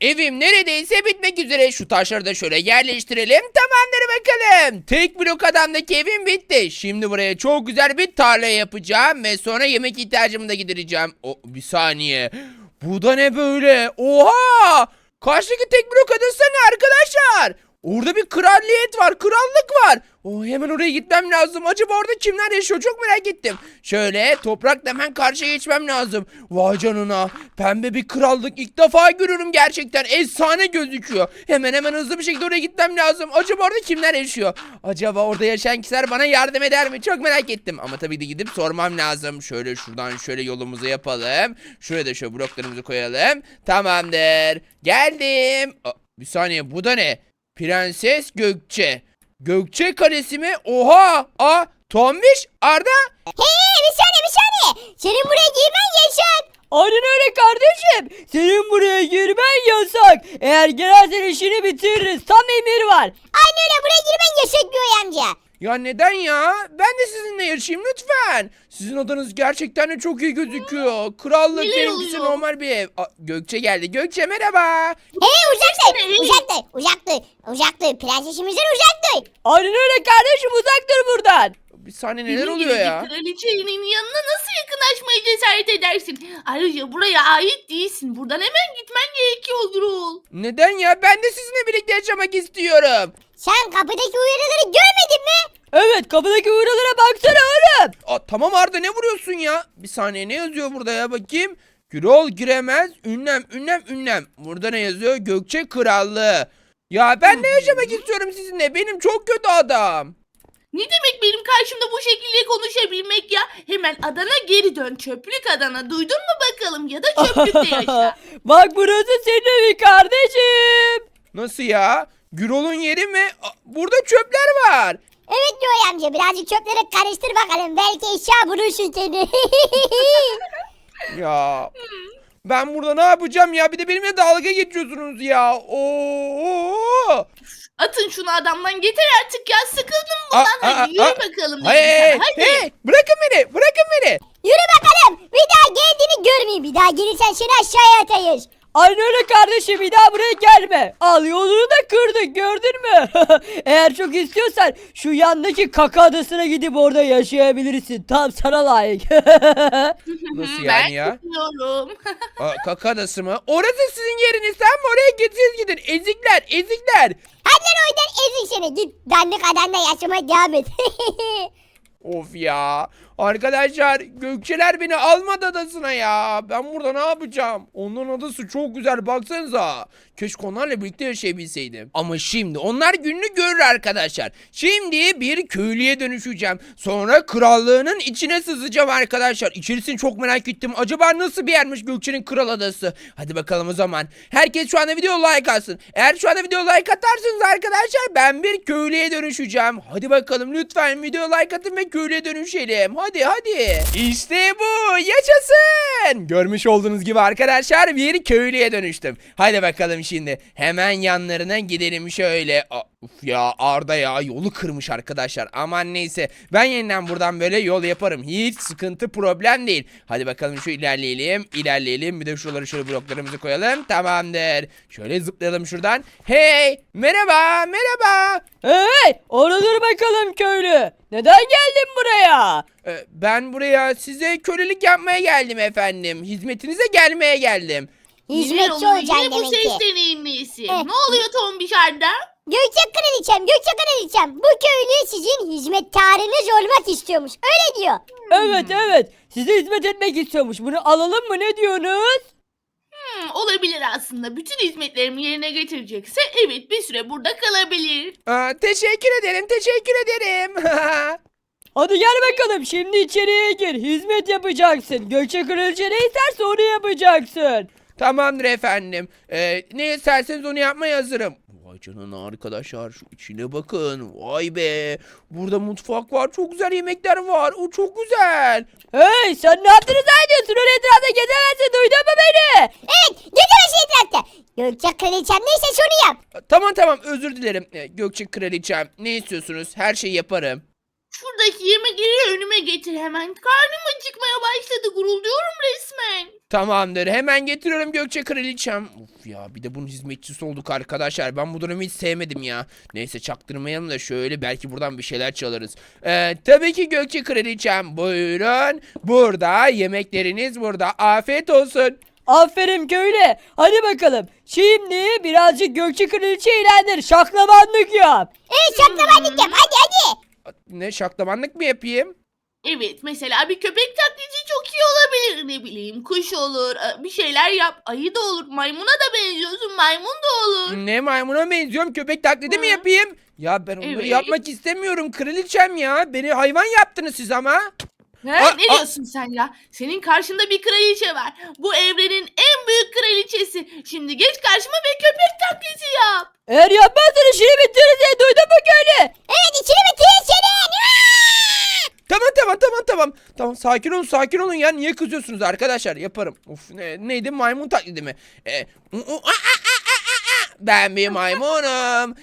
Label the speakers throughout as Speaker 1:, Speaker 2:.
Speaker 1: Evim neredeyse bitmek üzere. Şu taşları da şöyle yerleştirelim. Tamamdır bakalım. Tek blok adamdaki evim bitti. Şimdi buraya çok güzel bir tarla yapacağım. Ve sonra yemek ihtiyacımı da gidereceğim. Bir saniye. Bu da ne böyle? Oha! Karşıdaki tek blok adası ne arkadaşlar? Orada bir kraliyet var, krallık var. Hemen oraya gitmem lazım. Acaba orada kimler yaşıyor? Çok merak ettim. Şöyle toprakla hemen karşıya geçmem lazım. Vay canına. Pembe bir krallık ilk defa görüyorum gerçekten. Efsane gözüküyor. Hemen hızlı bir şekilde oraya gitmem lazım. Acaba orada kimler yaşıyor? Acaba orada yaşayan kişiler bana yardım eder mi? Çok merak ettim. Ama tabii de gidip sormam lazım. Şöyle şuradan şöyle yolumuzu yapalım. Şuraya da şöyle bloklarımızı koyalım. Tamamdır. Geldim. Bir saniye, bu da ne? Prenses Gökçe. Gökçe Kalesi mi? Oha! Tombiş, Arda.
Speaker 2: Hey, bir saniye. Senin buraya girmen yasak.
Speaker 3: Aynen öyle kardeşim. Senin buraya girmen yasak. Eğer girersen işini bitiririz. Tam emir var.
Speaker 2: Aynı öyle, buraya girmen yasak Göğe amca.
Speaker 1: Ya neden ya? Ben de sizinle yaşayayım lütfen. Sizin odanız gerçekten de çok iyi gözüküyor. Krallık,
Speaker 4: Neler
Speaker 1: benimkisi
Speaker 4: oluyor?
Speaker 1: normal bir ev. Gökçe geldi. Gökçe merhaba.
Speaker 2: Hey,
Speaker 4: Hey.
Speaker 2: uzaktır. Prensesimizden uzaktır.
Speaker 3: Aynen öyle kardeşim, uzak dur buradan.
Speaker 1: Bir saniye, neler
Speaker 4: Benim
Speaker 1: oluyor
Speaker 4: gibi
Speaker 1: ya?
Speaker 4: bir kraliçenin yanına nasıl yakınlaşmaya cesaret edersin? Ayrıca buraya ait değilsin. Buradan hemen gitmen gerekiyor Gürol.
Speaker 1: Neden ya? Ben de sizinle birlikte yaşamak istiyorum.
Speaker 2: Sen kapıdaki uyarıları görmedin mi?
Speaker 3: Evet, kapıdaki uyarılara baksana oğlum.
Speaker 1: Tamam Arda, ne vuruyorsun ya? Bir saniye, ne yazıyor burada ya, bakayım. Gürol giremez. Ünlem. Burada ne yazıyor? Gökçe Krallığı. Ya ben de yaşamak istiyorum sizinle. Benim çok kötü adam.
Speaker 4: Ne demek benim karşımda bu şekilde konuşabilmek ya? Hemen Adana geri dön. Çöplük Adana. Duydun mu bakalım? Ya da çöplükte yaşa.
Speaker 3: Bak, burası senin evi kardeşim.
Speaker 1: Nasıl ya? Gürol'un yeri mi? Burada çöpler var.
Speaker 2: Evet Göğe amca, birazcık çöpleri karıştır bakalım. Belki eşya bulursun seni.
Speaker 1: Ya ben burada ne yapacağım ya? Bir de benimle dalga geçiyorsunuz ya. Oo!
Speaker 4: Atın şunu adamdan, yeter artık ya. Sıkıldım bundan. Hadi yürü bakalım.
Speaker 1: Hey,
Speaker 4: dedim sana. Hadi.
Speaker 1: bırakın beni.
Speaker 2: Yürü bakalım. Bir daha geldiğini görmeyeyim. Bir daha gelirsen seni aşağıya atayız.
Speaker 3: Aynen öyle kardeşim, bir daha buraya gelme. Al, yolunu da kırdık, gördün mü? Eğer çok istiyorsan şu yandaki kaka adasına gidip orada yaşayabilirsin. Tam sana layık.
Speaker 1: Nasıl
Speaker 4: Ben
Speaker 1: yani ya?
Speaker 4: gidiyorum.
Speaker 1: Kaka adası mı? Orası sizin yeriniz. Sen mi oraya gidin? Ezikler.
Speaker 2: Hadi lan oradan ezik seni. Git dandik adamla yaşamaya devam et.
Speaker 1: Of ya. Arkadaşlar, Gökçeler beni almadı adasına ya. Ben burada ne yapacağım? Onların adası çok güzel, baksanıza. Keşke onlarla birlikte yaşayabilseydim. Ama şimdi onlar gününü görür arkadaşlar. Şimdi bir köylüye dönüşeceğim. Sonra krallığının içine sızacağım arkadaşlar. İçerisini çok merak ettim. Acaba nasıl bir yermiş Gökçe'nin kral adası? Hadi bakalım o zaman. Herkes şu anda video like atsın. Eğer şu anda video like atarsanız arkadaşlar, ben bir köylüye dönüşeceğim. Hadi bakalım, lütfen video like atın ve köylüye dönüşelim. Hadi. İşte bu. Yaşasın. Görmüş olduğunuz gibi arkadaşlar, bir köylüye dönüştüm. Hadi bakalım şimdi. Hemen yanlarına gidelim şöyle. Uf ya, Arda ya yolu kırmış arkadaşlar. Aman neyse. Ben yeniden buradan böyle yol yaparım. Hiç sıkıntı, problem değil. Hadi bakalım şu ilerleyelim. Bir de şuraları şöyle bloklarımızı koyalım. Tamamdır. Şöyle zıplayalım şuradan. Hey, merhaba.
Speaker 3: Hey, orada dur bakalım köylü. Neden geldin buraya?
Speaker 1: Ben buraya size kölelik yapmaya geldim efendim. Hizmetinize gelmeye geldim.
Speaker 4: Neler
Speaker 2: Hizmetçi
Speaker 4: oluyor?
Speaker 2: olacaksın
Speaker 4: Yine bu
Speaker 2: demek ki.
Speaker 4: ses deneyimlisi.
Speaker 2: Eh.
Speaker 4: Ne oluyor Tombiş Arda?
Speaker 2: Gökçe Kraliçem. Bu köylü sizin hizmetkarınız olmak istiyormuş. Öyle diyor.
Speaker 3: Evet. Size hizmet etmek istiyormuş. Bunu alalım mı, ne diyorsunuz?
Speaker 4: Olabilir aslında. Bütün hizmetlerimi yerine getirecekse evet, bir süre burada kalabilir.
Speaker 1: Teşekkür ederim.
Speaker 3: Hadi gel bakalım, şimdi içeriye gir. Hizmet yapacaksın. Gökçe Kraliçe ne isterse onu yapacaksın.
Speaker 1: Tamamdır efendim. Ne isterseniz onu yapmaya hazırım. Vay canına arkadaşlar, şu içine bakın. Vay be. Burada mutfak var. Çok güzel yemekler var. O çok güzel.
Speaker 3: Hey, sen ne yaptığını zannediyorsun? Öyle etrafta gezemezsin, duydun mu beni?
Speaker 2: Evet, gezemezsin etrafta. Gökçe Kraliçem neyse şunu yap.
Speaker 1: Tamam, özür dilerim. Gökçe Kraliçem, ne istiyorsunuz? Her şeyi yaparım.
Speaker 4: Şuradaki yemekleri önüme getir hemen. Karnım acıkmaya başladı. Gurulduyorum resmen.
Speaker 1: Tamamdır, hemen getiriyorum Gökçe Kraliçem. Of ya, bir de bunun hizmetçisi olduk arkadaşlar. Ben bu durumu hiç sevmedim ya. Neyse, çaktırmayalım da şöyle belki buradan bir şeyler çalarız. Tabii ki Gökçe Kraliçem, buyurun. Burada yemekleriniz burada. Afiyet olsun.
Speaker 3: Aferin köylü. Hadi bakalım. Şimdi birazcık Gökçe Kraliçe eğlendir. Şaklabanlık yap.
Speaker 2: Evet şaklabanlık yap hadi.
Speaker 1: Ne, şaklabanlık mı yapayım?
Speaker 4: Evet, mesela bir köpek taklidi çok iyi olabilir. Ne bileyim, kuş olur, bir şeyler yap. Ayı da olur, maymuna da benziyorsun, maymun da olur.
Speaker 1: Ne, maymuna benziyorum, köpek taklidi mi
Speaker 4: Hı.
Speaker 1: yapayım? Ya ben onları
Speaker 4: Evet.
Speaker 1: yapmak istemiyorum kraliçem ya. Beni hayvan yaptınız siz ama.
Speaker 4: He,
Speaker 1: Aa,
Speaker 4: ne diyorsun sen ya? Senin karşında bir kraliçe var. Bu evrenin en büyük kraliçesi. Şimdi geç karşıma ve köpek taklidi yap.
Speaker 3: Eğer yapmazsan işini bitiririz. Duydun mu köylü?
Speaker 2: Evet içini bitir senin.
Speaker 1: Tamam, sakin olun ya, niye kızıyorsunuz arkadaşlar, yaparım. Of, neydi, maymun taklidi mi? Ben bir maymunum,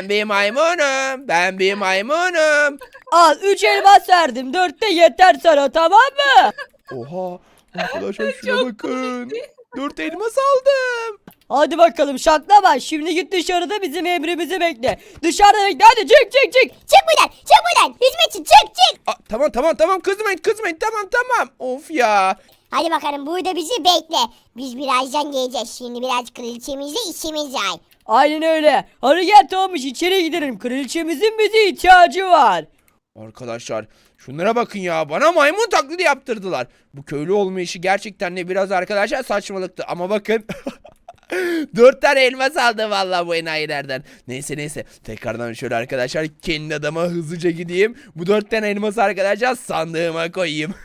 Speaker 1: ben bir maymunum.
Speaker 3: Al 3 elmas verdim. 4 de yeter sana, tamam mı?
Speaker 1: Oha, arkadaşlar şuna bakın, 4 elmas aldım.
Speaker 3: Hadi bakalım şaklama. Şimdi git dışarıda bizim emrimizi bekle. Dışarıda bekle, hadi çık.
Speaker 2: Çık buradan hizmetçi çık.
Speaker 1: Tamam, kızmayın, tamam. Of ya.
Speaker 2: Hadi bakalım burada bizi bekle. Biz birazdan geleceğiz. Şimdi biraz kraliçemizle işimiz var.
Speaker 3: Aynen öyle. Hadi gel Tomuş, içeri gidelim. Kraliçemizin bize ihtiyacı var.
Speaker 1: Arkadaşlar şunlara bakın ya, bana maymun taklidi yaptırdılar. Bu köylü olma işi gerçekten de biraz arkadaşlar saçmalıktı ama bakın. 4 tane elmas aldı vallahi bu enayilerden. Neyse, tekrardan şöyle arkadaşlar kendi adama hızlıca gideyim. Bu 4 tane elması arkadaşlar sandığıma koyayım.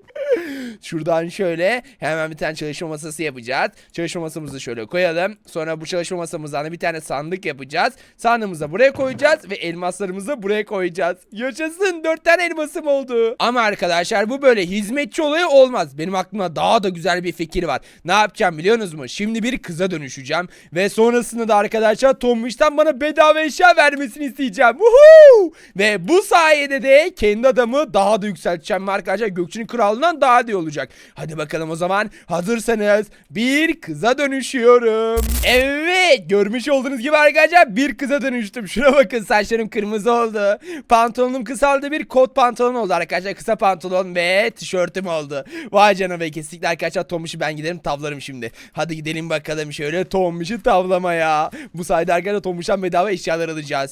Speaker 1: Şuradan şöyle hemen bir tane çalışma masası yapacağız. Çalışma masamızı şöyle koyalım. Sonra bu çalışma masamızdan bir tane sandık yapacağız. Sandığımızı da buraya koyacağız ve elmaslarımızı da buraya koyacağız. Yaşasın, 4 tane elmasım oldu. Ama arkadaşlar bu böyle hizmetçi olayı olmaz. Benim aklımda daha da güzel bir fikir var. Ne yapacağım biliyorsunuz mu? Şimdi bir kıza dönüşeceğim ve sonrasında da arkadaşlar Tombiş'ten bana bedava eşya vermesini isteyeceğim. Woohoo! Ve bu sayede de kendi adamı daha da yükselteceğim ve arkadaşlar Gökçe'nin krallığından daha iyi olacak. Hadi bakalım o zaman, hazırsanız bir kıza dönüşüyorum. Evet, görmüş olduğunuz gibi arkadaşlar bir kıza dönüştüm. Şuna bakın, saçlarım kırmızı oldu. Pantolonum kısaldı, bir kot pantolon oldu arkadaşlar. Kısa pantolon ve tişörtüm oldu. Vay canına be, kesinlikle arkadaşlar Tombiş'i ben giderim tavlarım şimdi. Hadi gidelim bakalım şöyle Tombiş'i tavlamaya. Bu sayede arkadaşlar Tombiş'ten bedava eşyalar alacağız.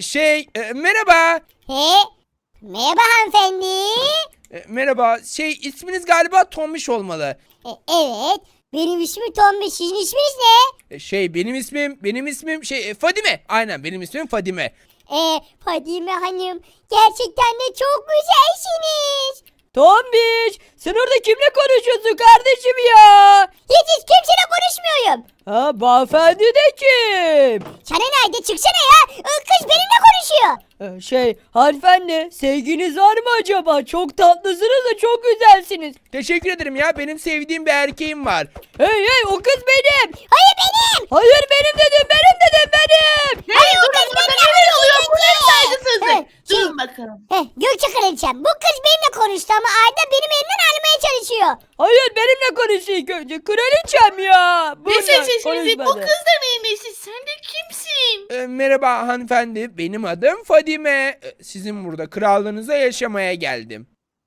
Speaker 1: Merhaba.
Speaker 2: Merhaba hanımefendi.
Speaker 1: Merhaba. İsminiz galiba Tombiş olmalı.
Speaker 2: Evet. Benim ismim Tombiş. Sizin isminiz ne?
Speaker 1: Benim ismim Fadime. Aynen, benim ismim Fadime.
Speaker 2: Fadime Hanım. Gerçekten de çok güzelsiniz.
Speaker 3: Tombiş, sen orada kimle konuşuyorsun kardeşim ya?
Speaker 2: Hiç kimseyle konuşmuyorum.
Speaker 3: Ha, beyefendi de kim?
Speaker 2: Sana nerede? Çıksana ya. Kız benimle konuşuyor.
Speaker 3: Hanımefendi, sevginiz var mı acaba? Çok tatlısınız da çok güzelsiniz.
Speaker 1: Teşekkür ederim ya. Benim sevdiğim bir erkeğim var.
Speaker 3: Hey, o kız benim.
Speaker 2: Hayır benim.
Speaker 3: Hayır, benim dedim.
Speaker 4: Hey, durun bakın, neler oluyor? Bu ne saygısızlık?
Speaker 2: Hey,
Speaker 4: Durun bakalım.
Speaker 2: Gökçe Kraliçem. Bu kız benimle konuştu ama Arda benim elimden almaya çalışıyor.
Speaker 3: Hayır, benimle konuşuyor ilk önce. Kraliçem ya.
Speaker 4: Ne
Speaker 3: Bununla
Speaker 4: sesinizi? Bu
Speaker 3: konuşmadı.
Speaker 4: kız da neyin nesi? Sen de kimsin?
Speaker 1: Merhaba hanımefendi. Benim adım Fadime. Sizin burada krallığınıza yaşamaya geldim.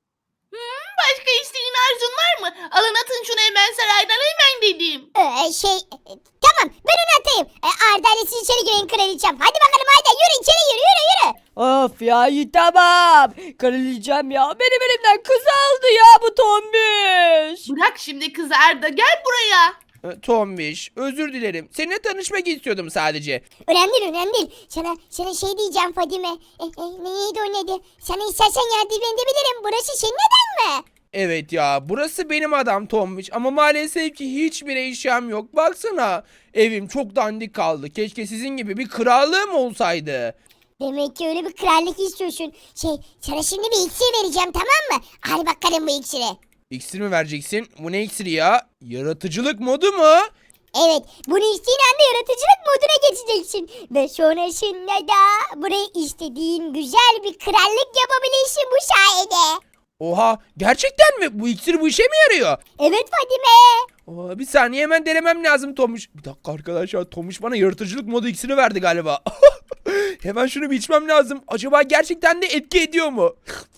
Speaker 4: Başka isteğin, arzun var mı? Alın atın şunu hemen saraydan, hemen dedim.
Speaker 2: Tamam ben onu atayım. Arda ile siz içeri girin Kraliçem. Hadi bakalım Arda yürü içeri yürü.
Speaker 3: Of ya, iyi tamam. Kraliçem ya. Benim elimden kız aldı ya bu Tombiş.
Speaker 4: Bırak şimdi kızı Arda, gel buraya.
Speaker 1: Tombiş, özür dilerim. Seninle tanışmak istiyordum sadece.
Speaker 2: Önemli değil. Sana şey diyeceğim Fadime. Neydi o neydi? Sana istersen yardım edebilirim. Burası senin neden mi?
Speaker 1: Evet ya, burası benim adam Tombiş ama maalesef ki hiçbir eşyam yok. Baksana, evim çok dandik kaldı. Keşke sizin gibi bir krallığım olsaydı.
Speaker 2: Demek ki öyle bir krallık istiyorsun. Sana şimdi bir iksir vereceğim, tamam mı? Hadi bakalım bu iksiri.
Speaker 1: İksir mi vereceksin? Bu ne iksiri ya? Yaratıcılık modu mu?
Speaker 2: Evet, bunu içtiğin anda yaratıcılık moduna geçeceksin. Ve sonrasında da buraya istediğin güzel bir krallık yapabilirsin bu sayede.
Speaker 1: Oha, gerçekten mi? Bu iksir bu işe mi yarıyor?
Speaker 2: Evet Fadime.
Speaker 1: Aa, bir saniye, hemen denemem lazım Tomuş. Bir dakika arkadaşlar, Tomuş bana yaratıcılık modu iksiri verdi galiba. Hemen şunu bir içmem lazım. Acaba gerçekten de etki ediyor mu?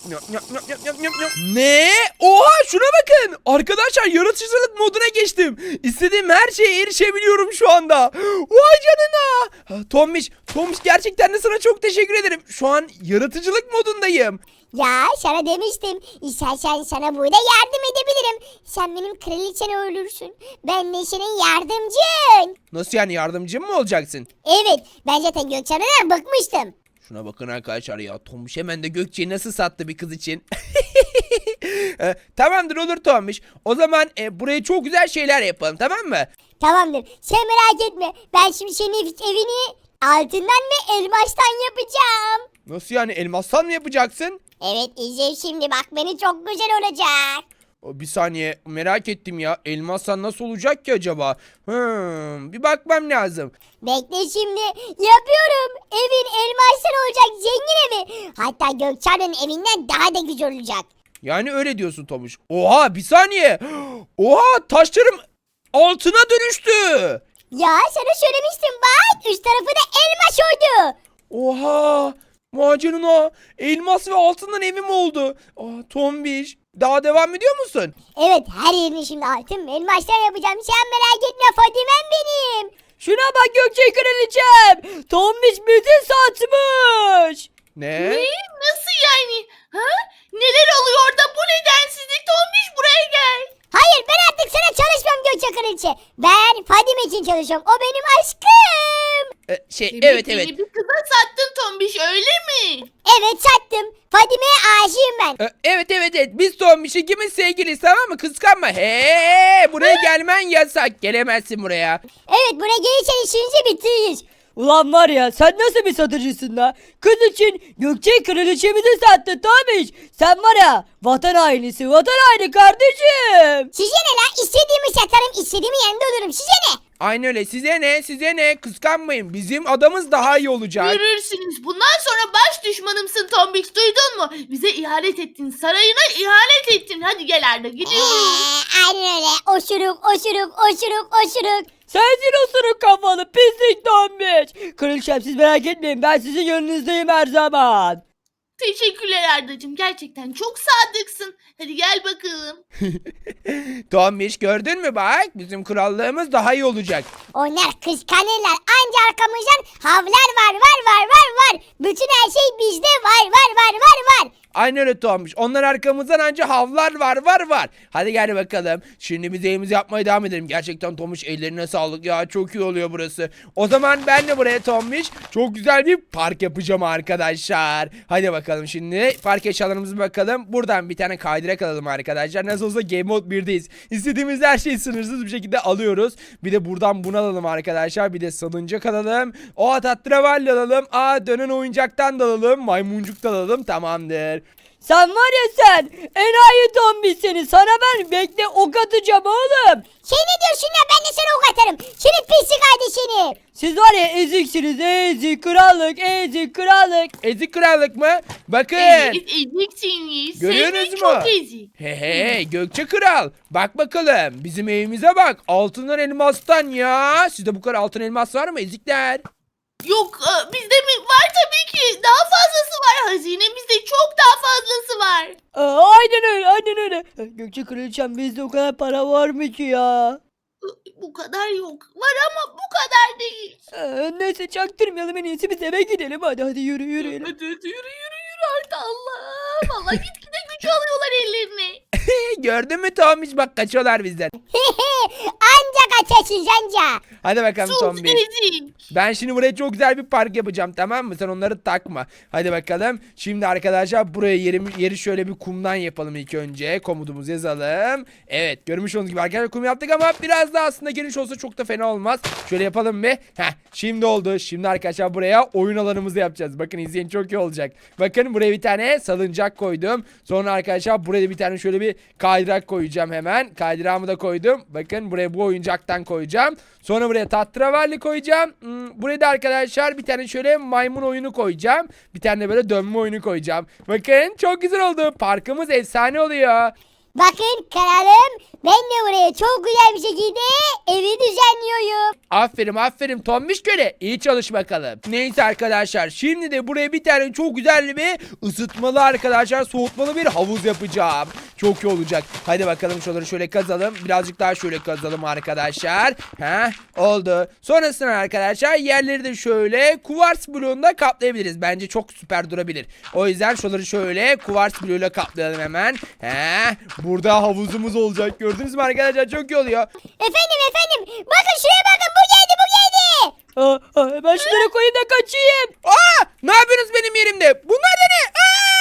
Speaker 1: Ne? Oha, şuna bakın. Arkadaşlar, yaratıcılık moduna geçtim. İstediğim her şeye erişebiliyorum şu anda. Vay canına. Tomuş gerçekten de sana çok teşekkür ederim. Şu an yaratıcılık modundayım.
Speaker 2: Ya sana demiştim. İstersen sana burada yardım edebilirim. Sen benim kraliçen olursun. Ben de senin yardımcın.
Speaker 1: Nasıl yani, yardımcım mı olacaksın?
Speaker 2: Evet, ben zaten Gökçen'den bıkmıştım.
Speaker 1: Şuna bakın arkadaşlar ya, Tomuş hemen de Gökçe'yi nasıl sattı bir kız için. Tamamdır, olur Tomuş. O zaman buraya çok güzel şeyler yapalım, tamam mı?
Speaker 2: Tamamdır, sen merak etme. Ben şimdi senin evini altından ve elmastan yapacağım.
Speaker 1: Nasıl yani, elmastan mı yapacaksın?
Speaker 2: Evet, izle şimdi bak, beni çok güzel olacak.
Speaker 1: Bir saniye, merak ettim ya, elmastan nasıl olacak ki acaba? Bir bakmam lazım.
Speaker 2: Bekle şimdi, yapıyorum. Evin elmastan olacak, zengin evi. Hatta Gökçen'in evinden daha da güzel olacak.
Speaker 1: Yani öyle diyorsun Tomuş. Oha, bir saniye. Oha, taşlarım altına dönüştü.
Speaker 2: Ya sana söylemiştim bak, üst tarafı da elmas oldu.
Speaker 1: Oha, macerına elmas ve altından evim oldu. Tombiş, daha devam ediyor musun?
Speaker 2: Evet, her yerini şimdi altın ve elmastan yapacağım. Sen merak etme Fadime'm benim.
Speaker 3: Şuna bak Gökçe kraliçem. Tombiş bizi satmış.
Speaker 1: Ne?
Speaker 4: Ne? Nasıl yani? Ha? Neler oluyor da bu nedensizlik? Tombiş buraya gel.
Speaker 2: Hayır, ben artık sana çalışmıyorum Gökçe Kraliçe. Ben Fadime için çalışıyorum. O benim aşkım.
Speaker 1: Evet.
Speaker 4: Beni bir kıza sattın Tombiş, öyle mi?
Speaker 2: Evet, sattım. Fadime'ye aşığım ben.
Speaker 1: Evet. Biz Tombiş ikimiz sevgiliyiz, tamam mı? Kıskanma. Buraya gelmen yasak. Gelemezsin buraya.
Speaker 2: Evet, buraya gelirsen işinizi bitiririz.
Speaker 3: Ulan var ya, sen nasıl bir satıcısın la? Kız için Gökçe kraliçemizi sattı Tombiş. Sen var ya, vatan hainisi, vatan haini kardeşim.
Speaker 2: Size ne la? İstediğimi satarım, istediğimi yanında olurum. Size ne?
Speaker 1: Aynen öyle. Size ne? Kıskanmayın. Bizim adamız daha iyi olacak.
Speaker 4: Görürsünüz. Bundan sonra baş düşmanımsın Tombiş, duydun mu? Bize ihanet ettin. Sarayına ihanet ettin. Hadi gel Arda, gidiyoruz.
Speaker 2: Aynen öyle. Oşuruk.
Speaker 3: Sensin osuruk kafalı pislik Tombiş. Kraliçem, siz merak etmeyin, ben sizin yanınızdayım her zaman.
Speaker 4: Teşekkürler Ardacığım. Gerçekten çok sadıksın. Hadi gel bakalım.
Speaker 1: Tombiş, gördün mü bak? Bizim krallığımız daha iyi olacak.
Speaker 2: Onlar kıskanırlar. Anca arkamızdan havlar var. Bütün her şey bizde var.
Speaker 1: Aynen öyle Tombiş. Onlar arkamızdan anca havlar var. Hadi gel bakalım. Şimdi biz evimizi yapmaya devam edelim. Gerçekten Tombiş, ellerine sağlık ya. Çok iyi oluyor burası. O zaman ben de buraya Tombiş çok güzel bir park yapacağım arkadaşlar. Hadi bakalım şimdi. Park eşyalarımıza bakalım. Buradan bir tane kaydırak alalım arkadaşlar. Nasıl olsa Game Mode 1'deyiz. İstediğimiz her şeyi sınırsız bir şekilde alıyoruz. Bir de buradan bunu alalım arkadaşlar. Bir de salıncak alalım. Tatravalli alalım. Dönen oyuncaktan da alalım. Maymuncuk da alalım. Tamamdır.
Speaker 3: Sen var ya sen, enayi Tombiş seni. Sana ben bekle ok atacağım oğlum.
Speaker 2: Şey ne diyorsun ya, ben de sana ok atarım. Senin pislik hadi seni.
Speaker 3: Siz var ya eziksiniz, ezik krallık.
Speaker 1: Ezik krallık mı? Bakın.
Speaker 4: Evet, eziksiniz.
Speaker 1: Görüyorsunuz
Speaker 4: Seni
Speaker 1: mu?
Speaker 4: çok ezik.
Speaker 1: Gökçe Kral. Bak bakalım. Bizim evimize bak. Altından elmastan ya. Sizde bu kadar altın elmas var mı ezikler?
Speaker 4: Yok, bizde mi? Var tabii ki. Daha fazlası var. Hazinemizde çok daha fazlası var.
Speaker 3: Aynen öyle. Gökçe kraliçem, bizde o kadar para var mı ki ya?
Speaker 4: Bu kadar yok. Var ama bu kadar değil.
Speaker 3: Neyse, çaktırmayalım, en iyisi biz eve gidelim. Hadi yürüyelim.
Speaker 4: Hadi yürü artık, Allah. Vallahi gitgide güç alıyorlar ellerine.
Speaker 1: Gördün mü Tomiş? Bak, kaçıyorlar bizden.
Speaker 2: Anca kaçarsın anca.
Speaker 1: Hadi bakalım
Speaker 4: Sus
Speaker 1: Tombiş.
Speaker 4: ezik.
Speaker 1: Ben şimdi buraya çok güzel bir park yapacağım, tamam mı? Sen onları takma. Hadi bakalım. Şimdi arkadaşlar buraya yeri şöyle bir kumdan yapalım ilk önce. Komutumuzu yazalım. Evet, görmüş olduğunuz gibi arkadaşlar kum yaptık ama biraz daha aslında geniş olsa çok da fena olmaz. Şöyle yapalım bir. Şimdi oldu. Şimdi arkadaşlar buraya oyun alanımızı yapacağız. Bakın, izleyin, çok iyi olacak. Bakın, buraya bir tane salıncak koydum. Sonra arkadaşlar buraya bir tane şöyle bir bir kaydırak koyacağım hemen. Kaydırağımı da koydum. Bakın buraya bu oyuncaktan koyacağım. Sonra buraya tatravalli koyacağım. Buraya da arkadaşlar bir tane şöyle maymun oyunu koyacağım. Bir tane de böyle dönme oyunu koyacağım. Bakın çok güzel oldu. Parkımız efsane oluyor.
Speaker 2: Bakın kralım, ben de buraya çok güzel bir şekilde evi düzenliyorum.
Speaker 1: Aferin Tombiş köle. İyi çalış bakalım. Neyse arkadaşlar şimdi de buraya bir tane çok güzel bir ısıtmalı arkadaşlar soğutmalı bir havuz yapacağım. Çok iyi olacak. Hadi bakalım şuraları şöyle kazalım. Birazcık daha şöyle kazalım arkadaşlar. Oldu. Sonrasında arkadaşlar yerleri de şöyle kuvars bloğunda kaplayabiliriz. Bence çok süper durabilir. O yüzden şuraları şöyle kuvars bloğuyla kaplayalım hemen. Burada havuzumuz olacak. Gördünüz mü arkadaşlar? Çok iyi oluyor.
Speaker 2: Efendim, bakın şuraya bakın, bu geldi.
Speaker 3: Ben şunları koyayım da kaçayım.
Speaker 1: Ne yapıyorsunuz benim yerimde? Bunlar da ne?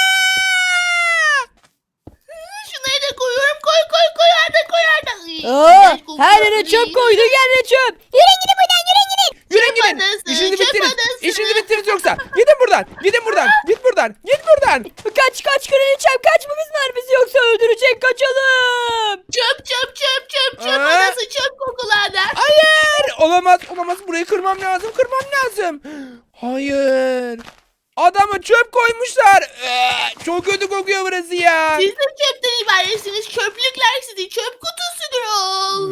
Speaker 4: Şunları da koyuyorum. Koy Arda.
Speaker 3: Her yere çöp koydu, yerine çöp.
Speaker 2: Yürüyün gidin buradan, yürüyün gidin.
Speaker 1: Yürüyün
Speaker 4: Çöp
Speaker 1: gidin.
Speaker 4: adası,
Speaker 1: İşinizi
Speaker 4: çöp
Speaker 1: bittiniz.
Speaker 4: adası.
Speaker 1: İşinizi bittiniz yoksa. Gidin buradan. Git buradan.
Speaker 3: Kaç kraliçem, kaçmamız var, bizi yoksa öldürecek, kaçalım.
Speaker 4: Çöp
Speaker 1: Aa.
Speaker 4: adası, çöp kokulu ada.
Speaker 1: Hayır. Olamaz. Burayı kırmam lazım. Hayır. Adama çöp koymuşlar. Çok kötü kokuyor burası ya.
Speaker 4: Siz de çöpten ibaretsiniz. Çöplükler sizi çöp kutusudur o.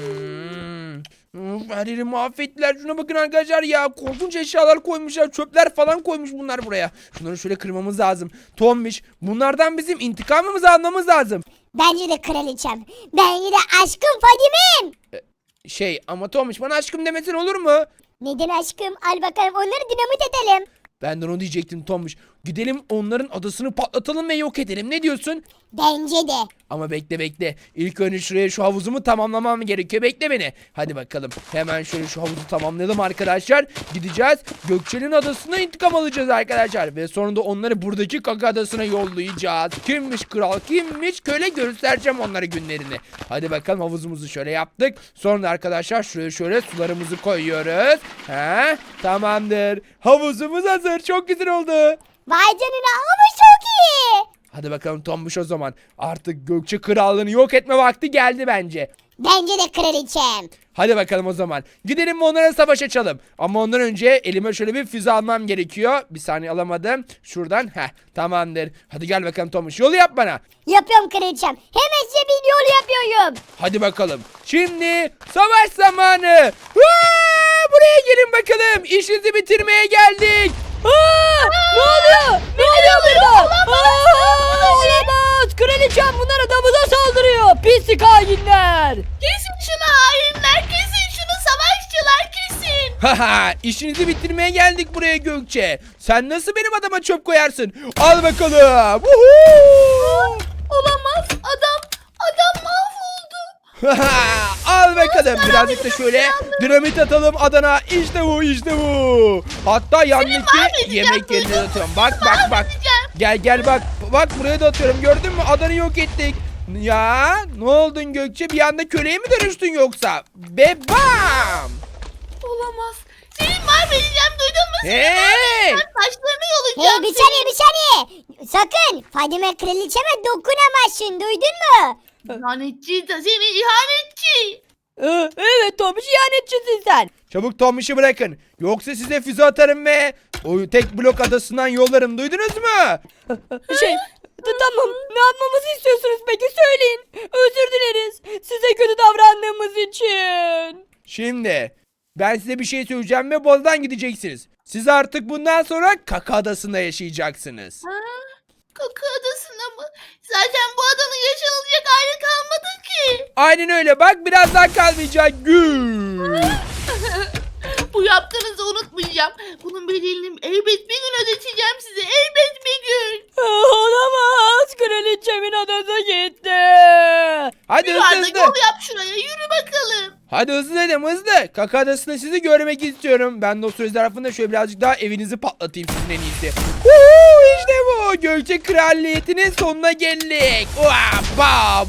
Speaker 1: Her yeri mahvettiler. Şuna bakın arkadaşlar ya. Korkunç eşyalar koymuşlar. Çöpler falan koymuş bunlar buraya. Şunları şöyle kırmamız lazım. Tombiş, bunlardan bizim intikamımızı almamız lazım.
Speaker 2: Bence de kraliçem. Bence de aşkım Fadimem.
Speaker 1: Ama Tombiş bana aşkım demesin olur mu?
Speaker 2: Neden aşkım? Al bakalım, onları dinamit edelim.
Speaker 1: Ben de onu diyecektim Tombiş. Gidelim onların adasını patlatalım ve yok edelim. Ne diyorsun?
Speaker 2: Bence de.
Speaker 1: Ama bekle. İlk önce şuraya şu havuzumu tamamlamam gerekiyor. Bekle beni. Hadi bakalım. Hemen şöyle şu havuzu tamamlayalım arkadaşlar. Gideceğiz. Gökçe'nin adasına intikam alacağız arkadaşlar. Ve sonra da onları buradaki kaka adasına yollayacağız. Kimmiş kral, kimmiş köle, göstereceğim onlara günlerini. Hadi bakalım, havuzumuzu şöyle yaptık. Sonra da arkadaşlar şuraya şöyle sularımızı koyuyoruz. Tamamdır. Havuzumuz hazır. Çok güzel oldu.
Speaker 2: Vay canına, ama çok iyi.
Speaker 1: Hadi bakalım Tombiş o zaman. Artık Gökçe krallığını yok etme vakti geldi bence.
Speaker 2: Bence de kraliçem.
Speaker 1: Hadi bakalım o zaman. Gidelim ve onlara savaş açalım. Ama ondan önce elime şöyle bir füze almam gerekiyor. Bir saniye, alamadım. Şuradan. Tamamdır. Hadi gel bakalım Tombiş. Yolu yap bana.
Speaker 2: Yapıyorum kraliçem. Hemen size bir yol yapıyorum.
Speaker 1: Hadi bakalım. Şimdi savaş zamanı. Buraya gelin bakalım. İşinizi bitirmeye geldik.
Speaker 3: Ne oluyor? Ne oluyor burada? Olamaz. Kraliçem, bunlar adamıza saldırıyor. Pislik hainler.
Speaker 4: Kesin şunu hainler, kesin şunu savaşçılar, kesin.
Speaker 1: İşinizi bitirmeye geldik buraya Gökçe. Sen nasıl benim adama çöp koyarsın? Al bakalım.
Speaker 4: Olamaz, adam mahvoldu.
Speaker 1: Al bakalım. Birazcık da şöyle dinamit atalım adana. İşte bu. Hatta yandaki
Speaker 4: mahvedeceğim,
Speaker 1: yemek yerine de
Speaker 4: duydun mu?
Speaker 1: atıyorum. Bak.
Speaker 4: Mahvedeceğim.
Speaker 1: Gel bak. Bak buraya da atıyorum. Gördün mü? Adanı yok ettik. Ya ne oldun Gökçe? Bir anda köleye mi dönüştün yoksa? Bebam.
Speaker 4: Olamaz. Seni mahvedeceğim, duydun mu?
Speaker 1: Hey!
Speaker 4: Taşlarını
Speaker 2: Hey,
Speaker 4: yolacağım.
Speaker 2: bir saniye. Sakın Fadime kraliçeme dokunamazsın, duydun mu?
Speaker 4: İhanetçi de seni, ihanetçi.
Speaker 3: Evet Tomuş, ihanetçisin sen.
Speaker 1: Çabuk Tomiş'i bırakın. Yoksa size füze atarım ve o tek blok adasından yollarım. Duydunuz mu?
Speaker 3: Tamam, ne yapmamızı istiyorsunuz peki, söyleyin. Özür dileriz size kötü davrandığımız için.
Speaker 1: Şimdi ben size bir şey söyleyeceğim ve Boz'dan gideceksiniz. Siz artık bundan sonra Kaka Adası'nda yaşayacaksınız.
Speaker 4: Kaka adasına mı? Zaten bu adanın yaşanılacak hali kalmadı ki.
Speaker 1: Aynen öyle, bak biraz daha kalmayacak. Gül.
Speaker 4: Bu yaptığınızı unutmayacağım. Bunun bedelini elbet bir gün ödeteceğim size. Elbet bir gün.
Speaker 3: Olamaz, kraliçemin adası gitti.
Speaker 1: Hadi
Speaker 4: Yürü
Speaker 1: hızlı
Speaker 4: Arda,
Speaker 1: hızlı.
Speaker 4: yol yap şuraya. Yürü bakalım.
Speaker 1: Hadi hızlı dedim, hızlı. Kaka Adası'nda sizi görmek istiyorum. Ben de o söz tarafında şöyle birazcık daha evinizi patlatayım sizin en iyisi. İşte bu. Gökçe Kraliyeti'nin sonuna geldik. Bam.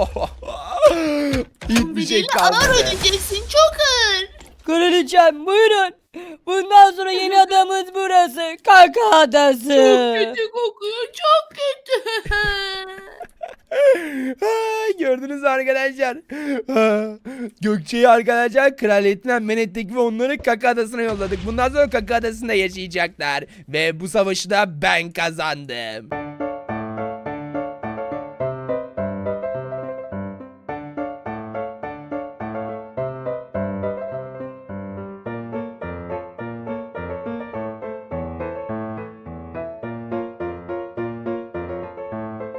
Speaker 1: Hiçbir şey
Speaker 4: Bedelini ağır
Speaker 1: kalmadı.
Speaker 4: ödeyeceksin. Çok ağır.
Speaker 3: Kraliçem, buyurun. Bundan sonra yeni adamız burası. Kaka Adası.
Speaker 4: Çok kötü kokuyor. Çok kötü.
Speaker 1: Gördünüz mü arkadaşlar? Gökçe'yi arkadaşlar kraliyetinden men ettik ve onları Kaka Adası'na yolladık. Bundan sonra Kaka Adası'nda yaşayacaklar. Ve bu savaşı da ben kazandım.